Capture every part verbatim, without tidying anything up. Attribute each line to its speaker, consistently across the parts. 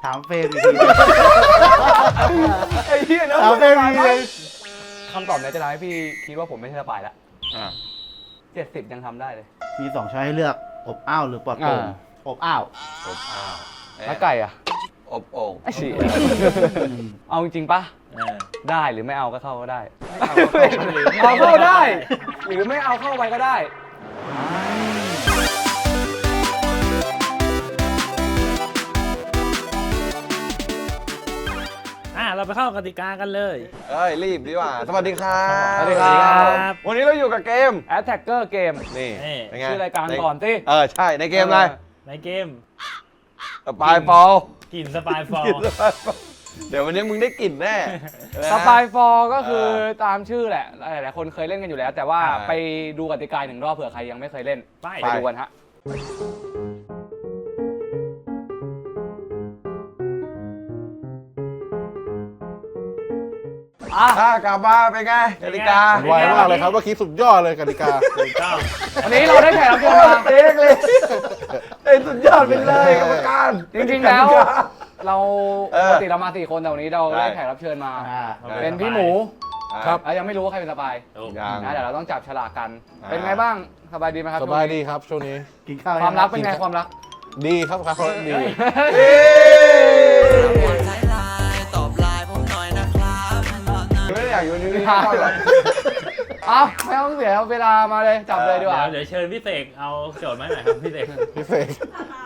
Speaker 1: ถามเฟรมอีกที
Speaker 2: ไอ้เหี้ยนะ
Speaker 1: ถามเฟรมอีกที
Speaker 2: คำตอบเนี้ยจะทำให้พี่คิดว่าผมไม่ใช่สปายละ
Speaker 3: อ่า
Speaker 2: เจ็ดสิบยังทำได้เลย
Speaker 1: มีสองช้อยให้เลือกอบอ้าวหรือปลอดโปร่ง
Speaker 2: อ่า
Speaker 1: อบอ้าว
Speaker 3: อบอ้าว
Speaker 2: แล้วไก่อ่ะ
Speaker 3: อบโอ่ง
Speaker 2: ไอ้ฉี่เอาจริงๆปะ
Speaker 4: เออ
Speaker 2: ได้หรือไม่เอาก็เข้าก็ได้
Speaker 4: เอา
Speaker 2: เอาเข้าได้ หรือไม่เอาเข้าไปก็ได้
Speaker 4: อ่ะเราไปเข้ากติกากันเลย
Speaker 3: เอ้ยรีบดีกว่าสวัสดีครับ
Speaker 2: สวัสดีครับ
Speaker 3: วันนี้เราอยู่กับเกม
Speaker 2: Attacker Game
Speaker 3: นี่
Speaker 4: นี่
Speaker 3: เป็นไง
Speaker 2: ชื่อรายการ
Speaker 3: ใน
Speaker 2: ก่อนสิ
Speaker 3: เออใช่ในเกมอะไร
Speaker 4: ในเกม
Speaker 3: สปายฟอล
Speaker 4: กลิ่นสปายฟอล
Speaker 3: เดี๋ยววันนี้มึงได้กลิ่นแน่
Speaker 2: สปายฟอร์ก็คือตามชื่อแหละ หลายๆคนเคยเล่นกันอยู่แล้ว แต่ว่า
Speaker 3: อ่า
Speaker 2: ไปดูกติกาหนึ่งรอบเผื่อใครยังไม่เคยเล่น
Speaker 4: ไป
Speaker 2: ไปดูกันฮะ อ่ะ
Speaker 3: ถ้ากลับมาเป็นไงกติกา
Speaker 5: ไวมากเลยครับเมื่อกี้สุดยอดเลยกติกา
Speaker 4: ถูกต้อง
Speaker 2: วันนี้เราได้แขกรับเชิญมา
Speaker 3: เอกเลยไอ้สุดยอดไปเลยกรรมการ
Speaker 2: จริงๆแล้ว เรา
Speaker 3: เออ
Speaker 2: ปกติเรามาสี่คนแต่วันนี้เรา
Speaker 3: ใช่
Speaker 2: ได้แขกรับเชิญมา
Speaker 1: อ่า
Speaker 2: เป็นพี่หมู
Speaker 3: ครับ
Speaker 2: แล้วยังไม่รู้ว่าใครเป็นสปาย
Speaker 4: ถูก
Speaker 3: ยัง
Speaker 2: นะเดี๋ยวเราต้องจับฉลากกัน
Speaker 3: อ่า
Speaker 2: เป็นไงบ้างสบายดีไหมครับ
Speaker 5: สบายดีครับช่วงนี้
Speaker 1: กินข้าว
Speaker 2: ความรักเป็นไงความรัก
Speaker 5: ดีครับครับดี
Speaker 3: เอ้ย
Speaker 6: ท้ายไลน์ตอบไลน์ผมหน่อยนะครับ
Speaker 3: ไม่ได้อยากอยู่นี่
Speaker 2: ไม่
Speaker 3: ไม่
Speaker 2: ได้
Speaker 3: ได้หรอก
Speaker 2: เอาไม่ต้องเสียเวลามาเลยจับเลยดีกว่า
Speaker 4: เดี๋ยวเดี๋ยวเชิญพี่เสกเอาโจทย์มาหน่อยครับพี่เสก
Speaker 5: พี่เสก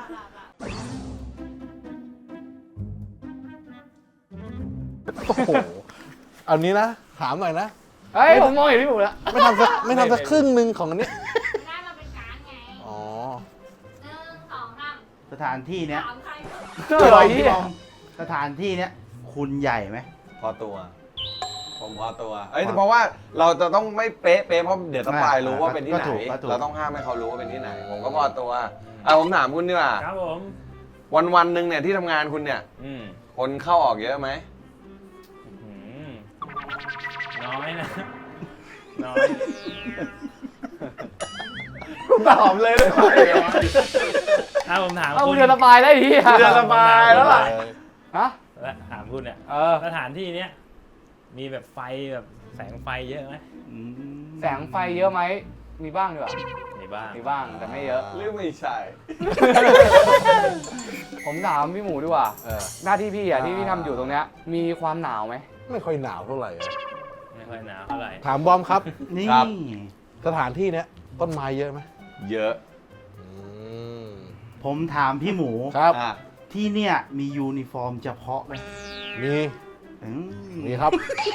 Speaker 5: โอ้โหเอานี้นะถามหน่อยนะ
Speaker 2: เฮ้ยผมมองเห็นพี่หมูแล้ว
Speaker 5: ไม่ทำสักไม่ทำสักครึ่งหนึ่งของอันนี้
Speaker 7: ได้มาเป็นการไง
Speaker 5: อ๋อ
Speaker 7: หนึ่งสองสาม
Speaker 1: สถานที่เนี้ย
Speaker 7: ถามใคร
Speaker 2: เจอ
Speaker 1: พี่บ
Speaker 2: ไอ้
Speaker 1: อม
Speaker 2: เหี้
Speaker 1: พี่
Speaker 2: ย
Speaker 1: บอมสถานที่เนี้ยคุณใหญ่ไหม
Speaker 3: พอตัว ผมพอตัว เอ้ยแต่เพราะว่าเราจะต้องไม่เป๊ะเป๊ะเพราะเดี๋ยวสปายรู้ว่าเป็นที่ไหน
Speaker 1: ก็ถูกก็ถูก
Speaker 3: เราต้องห้ามให้เขารู้ว่าเป็นที่ไหน ผมก็พอตัวอ่ะผมถามคุณดีกว่า
Speaker 4: ครับผม
Speaker 3: วันวันๆหนึ่งเนี่ยที่ทำงานคุณเนี่ย
Speaker 4: อืม
Speaker 3: คนเข้าออกเยอะไหม
Speaker 4: อืมน้อยนะ น้อย
Speaker 3: ตอบเลยได้ไหม
Speaker 4: ถ้าผมถาม
Speaker 2: เอา
Speaker 4: คุณ
Speaker 2: เรือสบายได้ที่
Speaker 3: เรือสบายแล้วล่ะ
Speaker 2: ฮะ
Speaker 4: และถามคุณเนี่ย
Speaker 2: เออ
Speaker 4: สถานที่เนี้ยมีแบบไฟแบบแสงไฟเยอะไหม
Speaker 1: อืม
Speaker 2: แสงไฟเยอะไหมมีบ้างดีกว่า
Speaker 4: มีบ้าง
Speaker 2: มีบ้างแต่ไม่เยอะ
Speaker 3: หรือไม่ใช่
Speaker 2: ผมถามพี่หมูดีกว่า
Speaker 5: เออ
Speaker 2: หน้าที่พี่อ่ะที่พี่
Speaker 5: อ่า
Speaker 2: ทำอยู่ตรงเนี้ยมีความหนาวไหม
Speaker 5: ไม่ค่อยหนาวเท่าไหร่อะ
Speaker 4: ไม่ค่อยหนาวเท่าไหร่
Speaker 5: ถามบอมครับ
Speaker 1: นี่
Speaker 3: ครับ
Speaker 5: สถานที่เนี้ยต้นไม้เยอะไหม
Speaker 3: เยอะ
Speaker 5: อืม
Speaker 1: ผมถามพี่หมู
Speaker 5: ครับ
Speaker 3: อ่ะ
Speaker 1: ที่เนี่ยมียูนิฟอร์มเฉพาะไหม
Speaker 5: มี
Speaker 1: อืม
Speaker 5: มีครับ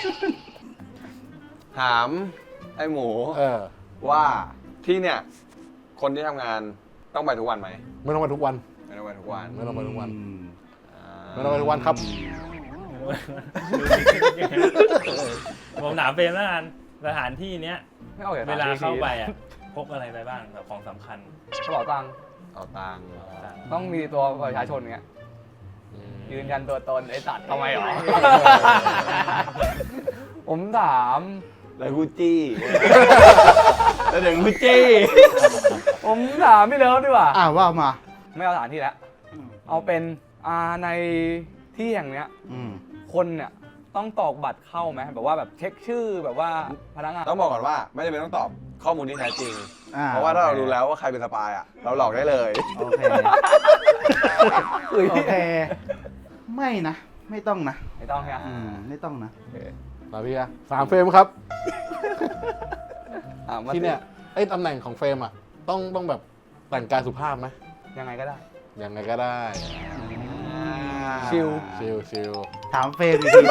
Speaker 3: ถามไอ้หมู
Speaker 5: เออ
Speaker 3: ว่าที่เนี่ย คนที่ทำงานต้องไปทุกวันไหม
Speaker 5: ไม่ต้องไปทุกวัน
Speaker 3: ไม่ต้องไปทุกวัน
Speaker 5: ไม่ต้องไปทุกวัน
Speaker 1: อืม
Speaker 3: อ่า
Speaker 5: ไม่ต้องไปทุกวันครับ
Speaker 4: ผมถามเฟรมแล้วกันสถานที่เนี้ย
Speaker 2: ไม่เอาอย่ง
Speaker 4: เวลา
Speaker 2: นั้น
Speaker 4: เข้าไปอ่ะพกอะไรไปบ้างแบบของสำคัญ
Speaker 2: กระเป๋าตังค์
Speaker 3: เอาตังค์
Speaker 2: ต้องมีตัวประชาชนเงี้ยยืนยันตัวตนไอ้สัตว์ทำไมหรอ ผมถาม
Speaker 3: แล้วกูจี้แล้วเดี๋ยวกูจี้
Speaker 2: ผมถามพี่เลิฟดีกว่า
Speaker 1: อ่าว่ามา
Speaker 2: ไม่เอาสถานที่แล้ว
Speaker 1: อืม
Speaker 2: เอาเป็นอ่าในที่แห่งเนี้ย
Speaker 1: อืม
Speaker 2: คนเนี่ยต้องตอกบัตรเข้าไหมแบบว่าแบบเช็คชื่อแบบว่าพนักงาน
Speaker 3: ต้องบอกก่อนว่าไม่จำเป็นต้องตอบข้อมูลที่แท้จริง
Speaker 1: อ่
Speaker 3: เพราะว่าถ้าเรารู้แล้วว่าใครเป็นสปายอ่ะ เราหลอกได้เลย
Speaker 1: โอเคโอเค ไม่นะ ไม่ต้องนะ
Speaker 2: ไม่ต้องใช่ไหม
Speaker 1: อืมไม่ต้องนะ
Speaker 5: มาพี่อะสามเฟรมครับ
Speaker 2: อ่ามา
Speaker 5: ที่เนี่ยไอ้ตำแหน่งของเฟรมอะต้องต้องแบบแต่งกายสุภาพไหม
Speaker 2: ยังไงก็ได้
Speaker 5: ยังไงก็ได้
Speaker 2: ชิล
Speaker 5: ชิลชิล
Speaker 1: ถามเฟรมอีกที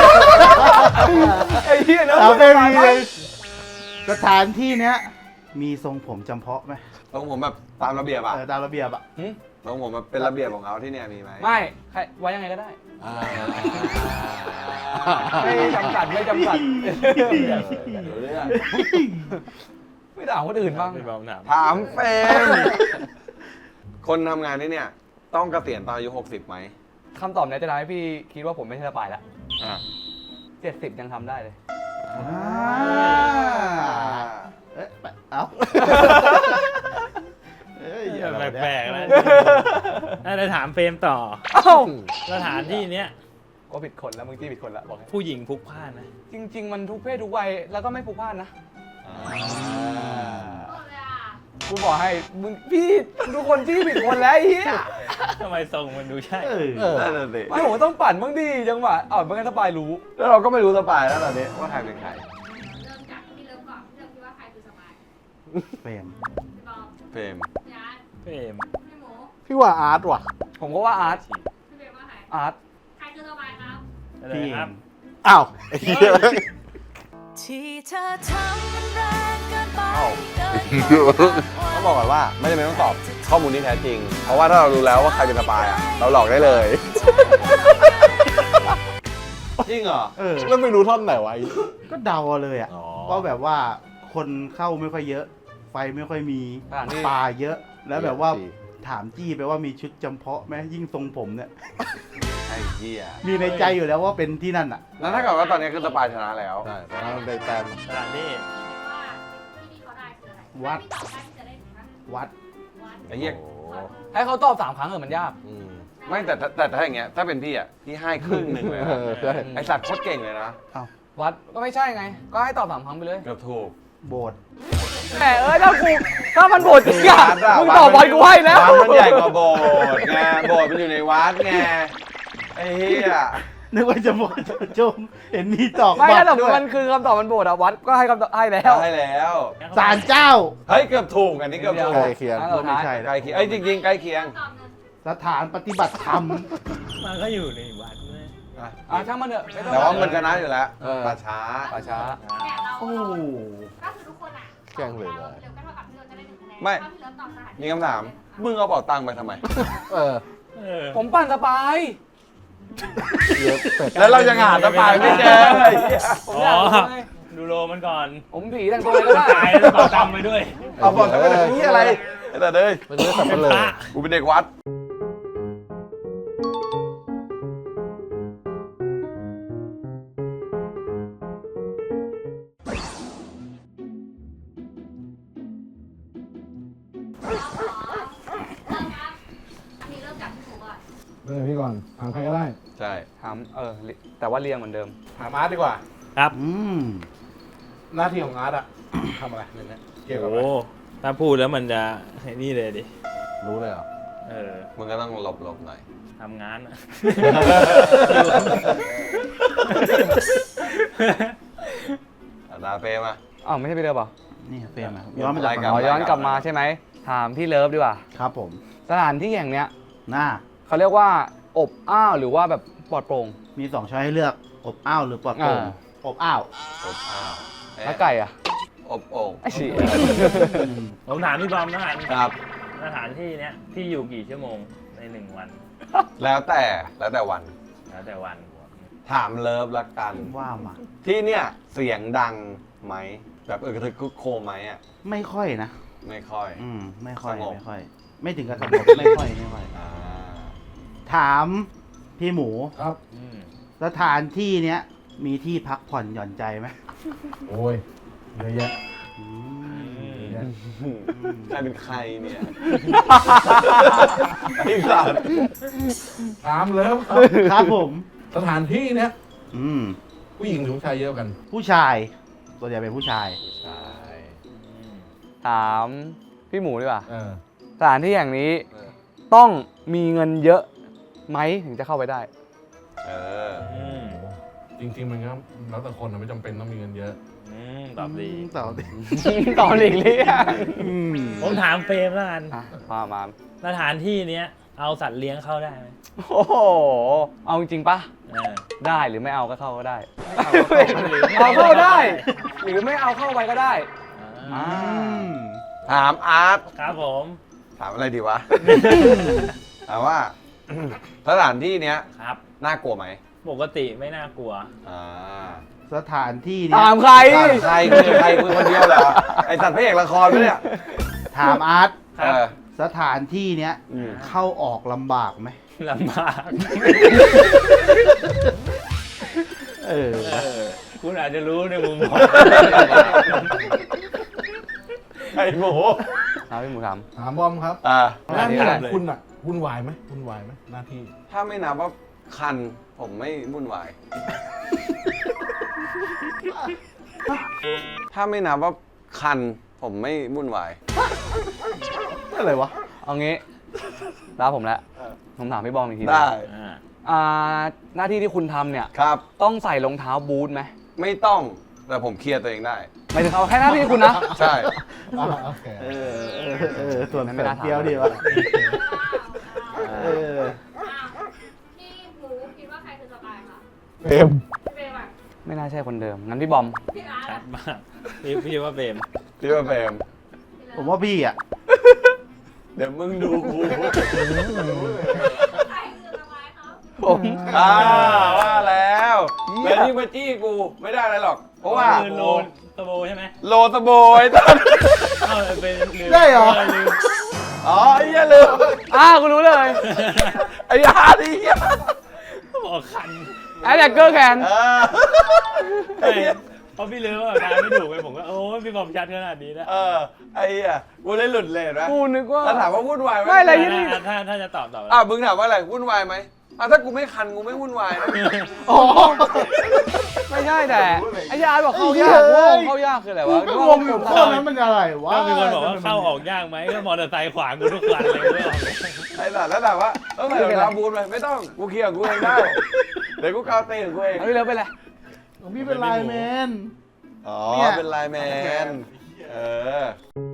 Speaker 2: ไอ้เหี้ยนะ
Speaker 1: ถามเฟรมอีกทีเลยสถานที่เนี้ยมีทรงผมจำเพาะไหม
Speaker 3: ตรงผมแบบตามระเบียบอ่ะ
Speaker 1: เออตามระเบียบอ่ะ
Speaker 3: ตรงผมแบบเป็นระเบียบของเขาที่เนี่ยมีไหม
Speaker 2: ไม่ใครไว้ยังไงก็ได้
Speaker 5: อ่า
Speaker 2: ไม่จำกัดไม่จำกัด
Speaker 3: รู้เรื่อง
Speaker 2: ไม่ถามคนอื่นบ้าง
Speaker 4: พี่บอมถาม
Speaker 3: ถามเฟรมคนทำงานที่เนี่ย ต้องเกษียณตอนอายุหกสิบไหม
Speaker 2: คำตอบเนี้ยจะทำให้พี่คิดว่าผมไม่ใช่สปายละ
Speaker 3: อ่า
Speaker 2: เจ็ดสิบยังทำได้เลย
Speaker 1: อ่าเอ๊ะไปเอ้าเอ้ย
Speaker 4: ทำไม
Speaker 1: เนี่ย
Speaker 4: แปลกๆแล้วน่าจะถามเฟรมต่อ
Speaker 2: เอ้า
Speaker 4: สถานที่เนี้ย
Speaker 2: ก็ผิดคนแล้วมึงจี้ผิดคนละบอกให้
Speaker 4: ผู้หญิงพลุกพล่านนะ
Speaker 2: จริง ๆ มันทุกเพศทุกวัยแล้วก็ไม่ผูกพันนะ
Speaker 3: อ่า
Speaker 7: หมดเลยอ่ะ
Speaker 2: กูบอกให้มึงพี่ทุกคนจี้ผิดคนแล้วไอ้เหี้ย
Speaker 4: ทำไมทรงมันดูใช่
Speaker 1: เออ
Speaker 5: เออ
Speaker 3: นั่นน่ะสิ
Speaker 2: ไม่ผมต้องปั่นบ้างดิจังหวะอ๋อไม่งั้นสปายรู้
Speaker 3: แล้วเราก็ไม่รู้สปายแล้วตอนนี้ว่าใครเป็นใคร
Speaker 7: เริ่มจากที่เริ่มก่อนที่เราคิดว่าใครคือสบาย
Speaker 1: เฟรม
Speaker 7: พี่บอม
Speaker 3: เฟรม
Speaker 7: พี่อาร์ต
Speaker 4: เฟรม
Speaker 7: พี่หมู
Speaker 5: พี่ว่าอาร์ตว่ะ
Speaker 2: ผมก็ว่าอาร์ต
Speaker 7: พี่เบลว่าใคร
Speaker 2: อาร์ต
Speaker 7: ใครคือสบายครับ
Speaker 4: อะไร
Speaker 1: พี่
Speaker 4: ครับ
Speaker 5: อ้าวไอ้เหี้ย
Speaker 8: ที่เธอทำมันแรงเกินไป
Speaker 3: เอ้า
Speaker 8: เกินกว่า
Speaker 3: ต้องบอกก่อนว่าไม่จำเป็นต้องตอบข้อมูลที่แท้จริง เพราะว่าถ้าเรารู้แล้วว่าใครเป็นสปายอ่ะ เราหลอกได้เลย จริงเหรอ
Speaker 1: เออ
Speaker 5: แล้วไม่รู้ท่อนไหนวะไอ้
Speaker 1: ก็เดาเอาเลยอ่ะ
Speaker 5: อ๋อ
Speaker 1: ว่าแบบว่าคนเข้าไม่ค่อยเยอะ ไฟไม่ค่อยมี
Speaker 2: สถานที่
Speaker 1: ปลาเยอะ แล้วแบบว่าถามจี้ไปว่ามีชุดจำเพาะไหมยิ่งทรงผมเนี่ย
Speaker 3: ไอ้เหี้ย
Speaker 1: มีในใจอยู่แล้วว่าเป็นที่นั่นอ่ะ
Speaker 3: แล้วถ้าเกิดว่าตอนนี้คือสปายชนะแล้ว
Speaker 5: ใช่แต่ถ้ามันได้แต้ม
Speaker 4: สถานที่
Speaker 7: คิดว่าที่นี่เขาได้คืออะไร
Speaker 1: วัด
Speaker 7: ถ้าพี่ตอบได้พี่จะได้ถึงนะ
Speaker 1: วัด
Speaker 7: วัด
Speaker 3: ไอ้เหี้ย
Speaker 5: โอ้
Speaker 2: ให้เขาตอบสามครั้งเออมันยาก
Speaker 5: อืม
Speaker 3: ไม่แต่แต่แต่ถ้าอย่างเงี้ยถ้าเป็นพี่อ่ะพี่ให้ครึ่งหนึ่งเลยนะ
Speaker 5: เออใช่
Speaker 3: ไอสัตว์โคตรเก่งเลยนะ
Speaker 2: วัดก็ไม่ใช่ไง ก็ให้ตอบสามครั้งไปเลย
Speaker 3: เกือบถูก
Speaker 1: โบสถ์
Speaker 2: แหมเอ้ยถ้ากูถ้ามันโบดจริงอะ
Speaker 3: วัดอะ
Speaker 2: มึงตอบบอลกูให้แล้ว
Speaker 3: วัดมันใหญ่กว่าโบสถ์ไงโบสถ์มันอยู่ในวัดไงไอ้เหี้ย
Speaker 1: นึกว่าจะบอกจะชมเห็นมีตอก
Speaker 2: ไม่
Speaker 1: บั
Speaker 2: ถ้า
Speaker 1: ต
Speaker 2: ส
Speaker 1: ร
Speaker 2: มม
Speaker 1: ด้ว
Speaker 2: ติ
Speaker 1: ย
Speaker 2: มันคือคำตอบมันโบดอะวัดก็ให้คำตอบให้แล้ว
Speaker 3: ได้แล้ว
Speaker 1: ศาลเจ้า
Speaker 3: เฮ้ยเกือบถูกอันนี้เกือบถูก
Speaker 5: ใกล้เคียง
Speaker 2: อันสุดท้าย
Speaker 1: ไม่ใช่
Speaker 3: ใกล้เคียงเอ้ยจริงๆใกล้เคียง
Speaker 7: ตอบหนึ่ง
Speaker 1: สถานปฏิบัติธรรม
Speaker 4: มันก็อยู่ในวัดเลย
Speaker 3: อ่ะ
Speaker 2: อ่ะช่างมันเถอะไม่ต้อง
Speaker 3: แต่ว่ามันชนะอยู่แล้ว
Speaker 5: เออ
Speaker 3: ป่าช้า
Speaker 2: ป่าช้า
Speaker 7: แต่เรา
Speaker 1: โอ้
Speaker 7: ก็คือทุกคนอ่ะ
Speaker 5: แกล้งเลยเลย
Speaker 7: เดี๋ยวก็เท่ากับที่เราจะได้หนึ่งคะแนน
Speaker 3: ไม่
Speaker 7: ถ้าพี่เลิฟตอบสถานที่
Speaker 3: มีคำถาม มึงเอาเป๋าตังค์ไปทำไม
Speaker 5: เออ
Speaker 4: เออ
Speaker 2: ผมปั่นสปาย
Speaker 5: เยอะเป็ด
Speaker 3: แล้วเรายังหาสปายไม่เจอไอ้เหี้ย
Speaker 2: ผม
Speaker 4: อ๋
Speaker 2: อยาก
Speaker 4: อ
Speaker 2: รู้ไง
Speaker 4: ดูโลมันก่อน
Speaker 2: ผมผีแต่งตัวอะไรก็ได้
Speaker 4: ตายแล้วต่อตามไปด้วย
Speaker 3: เอาบอกกันไปเลยนี่อะไรไอ้แต่เด้ย
Speaker 5: มันเยอะสับปะเลย
Speaker 3: กูเป็นเด็กวัด
Speaker 7: เริ่มครับอันนี้เริ่มจากพี่หมูก่อน
Speaker 5: เริ่มพี่ก่อนถามใครก็ได้
Speaker 3: ใช่
Speaker 2: ถามเออแต่ว่าเรียงเหมือนเดิม
Speaker 5: ถามอาร์ตดีกว่า
Speaker 4: ครับ
Speaker 1: อืม
Speaker 5: หน้าที่ของอาร์ตอะ ทำอะไรในเนี้ยเกี่ยวกับอะไร
Speaker 4: โอ้ถ้าพูดแล้วมันจะไอ้นี่เลยดิ
Speaker 5: รู้เลยเหรอ
Speaker 4: เออ
Speaker 3: มึงก็ต้องหลบหลบหน่อย
Speaker 4: ทำงานอะ
Speaker 3: อาดาเฟมา
Speaker 2: อ้าวไม่ใช่พี่เลิฟเหรอ
Speaker 1: นี่เฟรมอะย้อนมาจาก
Speaker 3: รายการ
Speaker 2: อ๋อย้อนกลับมาใช่ไหมถามพี่เลิฟดีกว่า
Speaker 1: ครับผม
Speaker 2: สถานที่แห่งเนี้ย
Speaker 1: หน้า
Speaker 2: เขาเรียกว่าอบอ้าวหรือว่าแบบปลอดโปร่ง
Speaker 1: มีสองช้อยให้เลือก อบอ้าวหรือปลอดโปร่ง
Speaker 2: อ่า
Speaker 1: อบอ้าว
Speaker 3: อบอ้าวเอ๊ะ
Speaker 2: แล้วไก่อ่ะ
Speaker 3: อบโอ่ง
Speaker 2: ไอ้ฉี่
Speaker 4: ผมถามพี่บอมนะฮะ
Speaker 3: ครับ
Speaker 4: สถานที่เนี้ยพี่อยู่กี่ชั่วโมงในหนึ่งวัน
Speaker 3: แล้วแต่แล้วแต่วัน
Speaker 4: แล้วแต่วัน
Speaker 3: ถามเลิฟละกัน
Speaker 1: ว่ามา
Speaker 3: ที่เนี่ยเสียงดังไหมแบบเออกระทึกคึกโครมไหมอ่ะ
Speaker 1: ไม่ค่อยนะ
Speaker 3: ไม่ค่อย
Speaker 1: อืม ไม่ค่อย
Speaker 3: สงบ
Speaker 1: ไม่ค่อย ไม่ถึงกับสงบ ไม่ค่อย ไม่ค่อย
Speaker 3: อ่า
Speaker 1: ถามพี่หมู
Speaker 5: ครับ
Speaker 4: อืม
Speaker 1: สถานที่เนี้ย มีที่พักผ่อนหย่อนใจไหม
Speaker 5: โอ้ยเยอะแยะ
Speaker 1: อื
Speaker 4: อื
Speaker 1: ม
Speaker 4: ม
Speaker 3: ใครเป็นใครเนี่ยไอ้สัตว์
Speaker 5: ถามเลิฟครับ
Speaker 1: ครับผม
Speaker 5: สถานที่เนี้ย
Speaker 1: อืม
Speaker 5: ผู้หญิงหรือผู้ชายเยอะกัน
Speaker 1: ผู้ชาย ตัวใหญ่เป็นผู้ชาย
Speaker 3: ใช่
Speaker 2: ถามพี่หมูดีกว่า
Speaker 5: เออ
Speaker 2: สถานที่แห่งนี้ต้องมีเงินเยอะไหมถึงจะเข้าไปได้
Speaker 3: เออ
Speaker 4: อืม
Speaker 5: จริงๆมันก็แล้วแต่คนนะไม่จำเป็นต้องมีเงินเยอะ
Speaker 4: อืมตอบดี
Speaker 1: ตอบดี
Speaker 2: ตอนหลีกเลี่ยง
Speaker 1: อืม
Speaker 4: ผมถามเฟรมแล้วกัน
Speaker 2: อ่ะมามา
Speaker 4: สถานที่เนี้ยเอาสัตว์เลี้ยงเข้าได้ไหม
Speaker 2: โอ้โห เอาจริงๆปะ
Speaker 4: เออ
Speaker 2: ได้หรือไม่เอาก็เข้าก็ได้
Speaker 4: เอาเข้าไปหรือไม่
Speaker 2: เอาเข้าได้
Speaker 4: ก็
Speaker 2: หรือไม่เอาเข้าไปก็ได้
Speaker 4: อ่า
Speaker 3: ถามอาร์ต
Speaker 4: ครับผม
Speaker 3: ถามอะไรดีวะ ถามว่า สถานที่เนี้ย
Speaker 4: ครับ
Speaker 3: น่ากลัวไหม
Speaker 4: ปกติไม่น่ากลัว
Speaker 3: อ่า
Speaker 1: สถานที่เนี้ย
Speaker 2: ถามใคร
Speaker 3: ถามใครคือใครคือคนเดียวเหรอไอสัตว์พระเอกละครปะเนี่ย
Speaker 1: ถามอาร์ต
Speaker 4: ครั
Speaker 3: เอบ อ
Speaker 1: สถานที่เนี้ย
Speaker 3: อืม
Speaker 1: เข้าออกลำบากไหม
Speaker 4: ลำบาก
Speaker 1: เออ
Speaker 4: เออคุณอาจจะรู้ในมุมมอง
Speaker 3: ไอหมู
Speaker 2: ฮครับพี่หมูถาม
Speaker 5: ถามบอมครับ
Speaker 3: อ่า
Speaker 5: หน้าที่
Speaker 2: อะไร
Speaker 5: ของคุณอ่ะวุ่นวายไหมวุ่นวายไหมหน้าที่
Speaker 3: ถ้าไม่นับว่าคันผมไม่วุ่นวาย ถ้าไม่นับว่าคันผมไม่วุ่นวาย
Speaker 5: อะไรวะ
Speaker 2: เอางี้ตาผมแล้วผมถามพี่บอมอีกทีนะ
Speaker 3: ได้
Speaker 4: อ่า
Speaker 2: อ่าหน้าที่ที่คุณทำเนี่ย
Speaker 3: ครับ
Speaker 2: ต้องใส่รองเท้าบูทไหม
Speaker 3: ไม่ต้องแต่ผมเคลียร์ตัวเองได้
Speaker 2: หมายถึงเอาแค่หน้าที่คุณนะ
Speaker 3: ใช่
Speaker 5: อ่าโอเค
Speaker 1: เออเออเออส่วน
Speaker 2: ไม่
Speaker 1: เสริ
Speaker 2: น่าม ถาม
Speaker 1: เดียวดีวะเออ
Speaker 7: อ้าวพี่หมูคิดว่าใครคือสปายคะ
Speaker 5: เฟรม
Speaker 7: เฟรมอะ
Speaker 2: ไม่น่าใช่คนเดิม งั้นพี่บอม
Speaker 7: พี่อาร์ต
Speaker 4: ชั
Speaker 7: อะ
Speaker 4: ดมากพี่พี่ว่าเบม
Speaker 3: พี่ว่าเฟรม
Speaker 1: ผมว่าพี่อ่ะ
Speaker 3: เดี๋ยวมึงดูกู
Speaker 7: ใครคือสปายครับ
Speaker 2: ผม
Speaker 3: อ่าว่าแล้วแล้วนี่มาจี้กูไม่ได้อะไรหรอก เพราะว่า
Speaker 4: คือโลนตะโบใช่ไหม
Speaker 3: โลตะโบยตอน
Speaker 4: เอ้าเป็นลืม
Speaker 1: ได้เหรอ
Speaker 4: ลืม
Speaker 3: อ๋อไอ้เหี้ยลืม
Speaker 2: อ้าวกูรู้เลย
Speaker 3: ไอ้ยาดิเหี้ย
Speaker 4: บอกคัน
Speaker 2: ไอ้แดกเกอร์แคน
Speaker 3: เออไอ้
Speaker 4: ไม่
Speaker 3: เหี้ย
Speaker 4: เพราะพี่ลืมว่าทายไม่ถูกไปผมก็โอ้ยพี่บอมชัดขนาดนี้นะ
Speaker 3: เออไอ้เหี้ยกูได้หลุดเลยเห็นไหม
Speaker 2: กูนึกว่า
Speaker 3: แล้วถามว่าวุ่นวายไหม
Speaker 2: ไม่อะไร
Speaker 4: ถ้าถ้าถ้าจะตอบตอบ
Speaker 3: อ่ะมึงถามว่าอะไรวุ่นวายไหมอ่ะถ้ากูไม่คันกูไม่วุ่นวายนะ
Speaker 1: อ๋อ
Speaker 2: ไม่ใช่แต่ไอ้ยาบอกเข้ายาก
Speaker 1: เฮ้
Speaker 2: โง่
Speaker 1: ย
Speaker 2: เข้ายากคืออะไรวะ
Speaker 1: ก็งงอยู่ข้อนั้นมันอะไรวะ
Speaker 4: ก็มีคนบอกว่าเข้าออกยากไหมก็มอเตอร์ไซค์ขวางกูทุกวันเลยไม่ออกเลย
Speaker 3: ไอ้สัตว์แล้วถามว่าต้องใส่รองเท้าบูทไหมไม่ต้องกูเคลียร์ของกูเองได้เดี๋ยวกูกาวเตะของกูเอง
Speaker 2: เอาพี่เลิฟไปเลย
Speaker 1: ของพี่เป็นไลน์แมน
Speaker 3: อ๋อ
Speaker 1: เนี่ย
Speaker 3: เป็นไลน์แมนเออ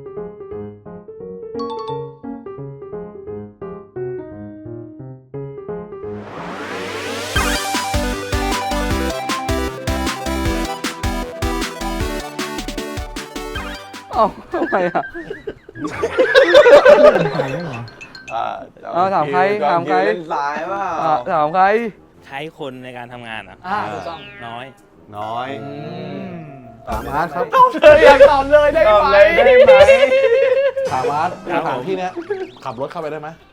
Speaker 2: เอ้าทำไมอ่ะ
Speaker 3: อ่า
Speaker 2: เอาถามใครถามใคร
Speaker 3: เล่นสายเปล่า
Speaker 2: อ่ะถามใคร
Speaker 4: ใช้คนในการทำงานอ่ะ
Speaker 2: อ่าถูกต้อง
Speaker 4: น้อย
Speaker 3: น้อย
Speaker 5: ถามอาร์ตครับ
Speaker 2: เธออยากตอบเลยได้
Speaker 3: ตอบ
Speaker 2: ไหม
Speaker 3: เลยได้ไหม
Speaker 5: ถามอาร์ต
Speaker 4: ครับ
Speaker 5: สถาน
Speaker 4: ผม
Speaker 5: ที่เนี้ยขับรถเข้าไปได้ไหม